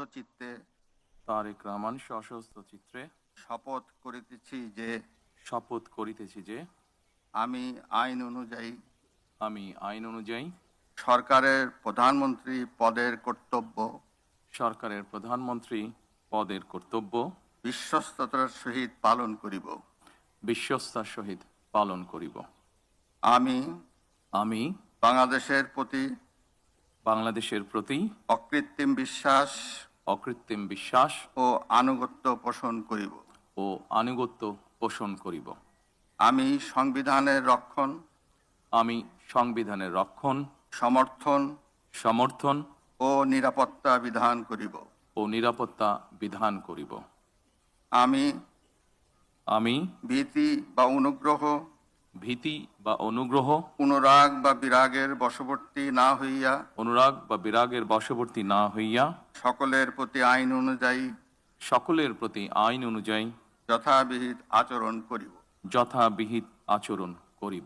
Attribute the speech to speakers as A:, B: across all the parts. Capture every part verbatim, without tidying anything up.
A: চিত্তে
B: তারেক রহমান সশস্ত্র চিত্রে
A: শপথ করিতেছি যে
B: শপথ করিতেছি যে
A: আমি আইন অনুযায়ী
B: আমি আইন অনুযায়ী
A: সরকারের প্রধানমন্ত্রী পদের কর্তব্য
B: সরকারের প্রধানমন্ত্রী পদের কর্তব্য
A: বিশ্বস্ততার সহিত পালন করিব।
B: বিশ্বস্তার সহিত পালন করিব।
A: আমি
B: আমি
A: বাংলাদেশের প্রতি
B: বাংলাদেশের প্রতি
A: অকৃত্রিম বিশ্বাস
B: অকৃত্রিম বিশ্বাস
A: ও আনুগত্য পোষণ করিব।
B: ও আনুগত্য পোষণ করিব।
A: আমি সংবিধানের রক্ষণ
B: আমি সংবিধানের রক্ষণ
A: সমর্থন
B: সমর্থন
A: ও নিরাপত্তা বিধান করিব।
B: ও নিরাপত্তা বিধান করিব।
A: আমি
B: আমি
A: ভীতি বা অনুগ্রহ
B: ভীতি বা অনুগ্রহ
A: অনুরাগ বা বিরাগের বশবর্তী না হইয়া
B: অনুরাগ বা বিরাগের বশবর্তী না হইয়া
A: সকলের প্রতি আইন অনুযায়ী
B: সকলের প্রতি আইন অনুযায়ী
A: যথাবিহিত আচরণ করিব।
B: যথাবিহিত আচরণ করিব।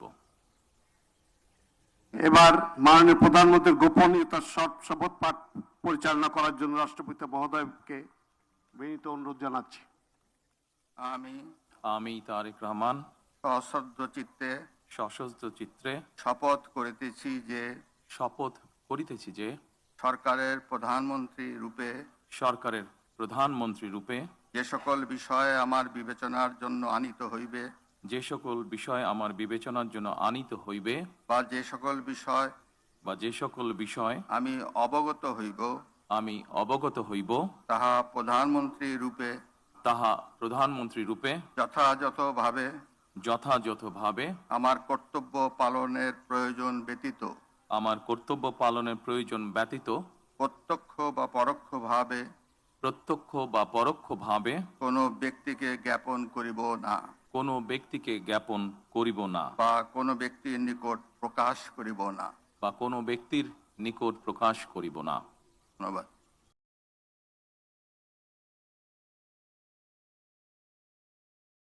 C: এবার মাননীয় প্রধানমন্ত্রীর গোপনীয়তার শপথ পাঠ পরিচালনা করার জন্য রাষ্ট্রপতি মহোদয়কে বিনীত অনুরোধ জানাচ্ছি।
A: আমি
B: আমি তারেক রহমান
A: সশ্রদ্ধ চিত্তে
B: সশস্ত্র চিত্রে
A: শপথ করিতেছি যে
B: শপথ করিতেছি যে
A: সরকারের প্রধানমন্ত্রী রূপে
B: সরকারের প্রধানমন্ত্রী রূপে
A: যে সকল বিষয়ে আমার বিবেচনার জন্য আনিত হইবে
B: যে সকল বিষয় আমার বিবেচনার জন্য আনিত হইবে
A: বা যে সকল বিষয়
B: বা যে সকল বিষয়
A: আমি অবগত হইব
B: আমি অবগত হইব
A: তাহা প্রধানমন্ত্রী রূপে
B: তাহা প্রধানমন্ত্রী রূপে
A: যথাযথভাবে
B: যথাযথভাবে
A: আমার কর্তব্য পালনের প্রয়োজন ব্যতীত
B: আমার কর্তব্য পালনের প্রয়োজন ব্যতীত
A: প্রত্যক্ষ বা পরোক্ষভাবে
B: প্রত্যক্ষ বা পরোক্ষভাবে
A: কোনো ব্যক্তিকে জ্ঞাপন করিব না
B: কোনো ব্যক্তিকে জ্ঞাপন করিব না
A: বা কোনো ব্যক্তির নিকট প্রকাশ করিব না।
B: বা কোনো ব্যক্তির নিকট প্রকাশ করিব না।
A: ধন্যবাদ।